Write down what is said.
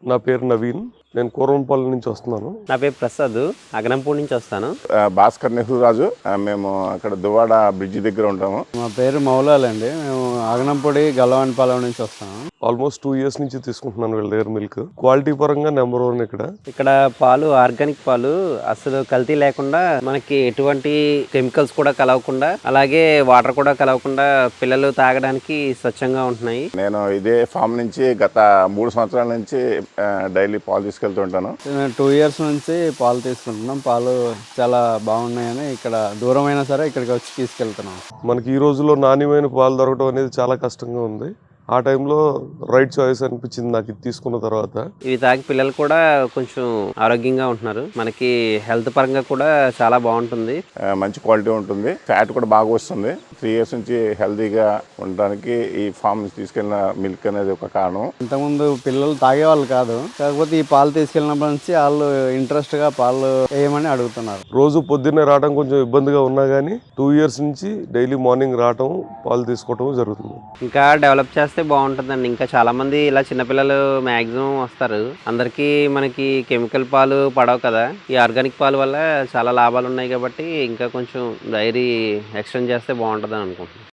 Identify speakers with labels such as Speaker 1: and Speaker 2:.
Speaker 1: నా పేరు నవీన్. నేను కూరంపల్లి నుంచి వస్తున్నాను.
Speaker 2: నా పేరు ప్రసాద్, అగనంపూడి నుంచి వస్తాను.
Speaker 3: భాస్కర్ నెహ్రూ రాజు. మేము అక్కడ దువ్వాడ బ్రిడ్జి దగ్గర ఉంటాము.
Speaker 4: మా పేరు మౌలాలండి. మేము ఆగనంపొడి గల్లవానిపాలెం నుంచి వస్తాము.
Speaker 1: ఆల్మోస్ట్ 2 years నుంచి తీసుకుంటున్నాను వీళ్ళ దగ్గర మిల్క్. క్వాలిటీ పరంగా నెంబర్ 1
Speaker 2: ఇక్కడ పాలు ఆర్గానిక్ పాలు అసలు కల్తీ లేకుండా, మనకి ఎటువంటి కెమికల్స్ కూడా కలవకుండా, అలాగే వాటర్ కూడా కలవకుండా పిల్లలు తాగడానికి స్వచ్ఛంగా ఉంటున్నాయి.
Speaker 3: నేను ఇదే ఫామ్ నుంచి గత 3 సంవత్సరాల నుంచి డైలీ పాలు తీసుకెళ్తుంటాను.
Speaker 4: మేము 2 years నుంచి పాలు తీసుకుంటున్నాం. పాలు చాలా బాగున్నాయని ఇక్కడ దూరమైనా సరే ఇక్కడికి వచ్చి తీసుకెళ్తున్నాం.
Speaker 1: మనకి ఈ రోజుల్లో నాణ్యమైన పాలు దొరకడం అనేది చాలా కష్టంగా ఉంది. ఆ టైంలో రైట్ చాయిస్ అనిపించింది నాకు ఇది తీసుకున్న తర్వాత.
Speaker 2: ఇవి తాగి పిల్లలు కూడా కొంచెం ఆరోగ్యంగా ఉంటున్నారు. మనకి హెల్త్ పరంగా కూడా చాలా బాగుంటుంది.
Speaker 3: మంచి క్వాలిటీ ఉంటుంది. ఫ్యాట్ కూడా బాగా వస్తుంది. 3 years నుంచి హెల్తీగా ఉండడానికి ఈ ఫామ్ నుంచి తీసుకెళ్ళిన మిల్క్ అనేది ఒక కారణం.
Speaker 4: ఇంతకుముందు పిల్లలు తాగేవాళ్ళు కాదు, కాకపోతే ఈ పాలు తీసుకెళ్ళినప్పటి నుంచి వాళ్ళు ఇంట్రెస్ట్గా పాలు వేయమని అడుగుతున్నారు.
Speaker 1: రోజు పొద్దున్నే రావడం కొంచెం ఇబ్బందిగా ఉన్నా కానీ 2 years నుంచి డైలీ మార్నింగ్ రావటం, పాలు తీసుకోవటం జరుగుతుంది.
Speaker 2: ఇంకా డెవలప్ చేస్తే బాగుంటుందండి. ఇంకా చాలా మంది ఇలా చిన్నపిల్లలు మ్యాక్సిమం వస్తారు. అందరికీ మనకి కెమికల్ పాలు పడవు కదా. ఈ ఆర్గానిక్ పాలు వల్ల చాలా లాభాలు ఉన్నాయి కాబట్టి ఇంకా కొంచెం డైరీ ఎక్స్టెండ్ చేస్తే బాగుంటుందని అనుకుంటున్నాను.